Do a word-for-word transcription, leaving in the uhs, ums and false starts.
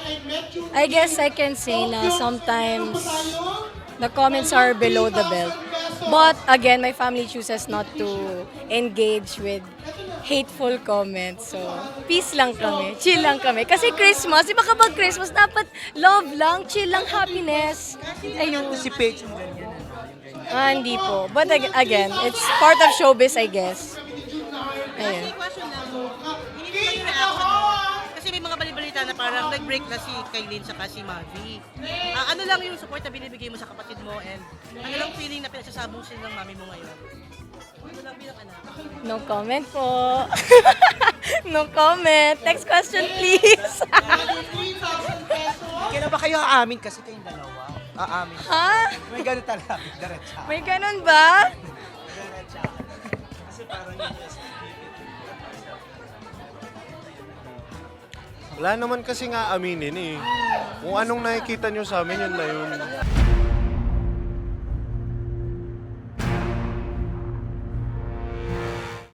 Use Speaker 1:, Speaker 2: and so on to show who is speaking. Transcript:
Speaker 1: I guess I can say na sometimes the comments are below the belt. But again, my family chooses not to engage with hateful comments. So, peace lang kami. Chill lang kami. Kasi Christmas, di ba kapag Christmas, dapat love lang, chill lang, happiness. Ayun.
Speaker 2: Anticipate yung ganyan.
Speaker 1: Ah, hindi po. But ag- again, it's part of showbiz, I guess.
Speaker 3: Kasi
Speaker 1: Ayun.
Speaker 3: question lang, hindi naman yung reaction mo. Kasi may mga balibalita na parang nag-break na si Kailin saka si Mavi. Ah, ano lang yung support na binibigay mo sa kapatid mo and ano lang feeling na pinagsasabong sila ng mami mo ngayon? Ano lang bilang anak?
Speaker 1: No comment po. No comment. Next question, please.
Speaker 2: Kailan ba kayo aamin kasi kayong dalawa? Aamin.
Speaker 1: ha?
Speaker 2: May ganun talaga. Diretsa.
Speaker 1: May ganun ba?
Speaker 2: Diretsa. Kasi parang yun yung
Speaker 4: Wala naman kasi nga aminin eh. Kung anong nakikita nyo sa amin, yun na yun.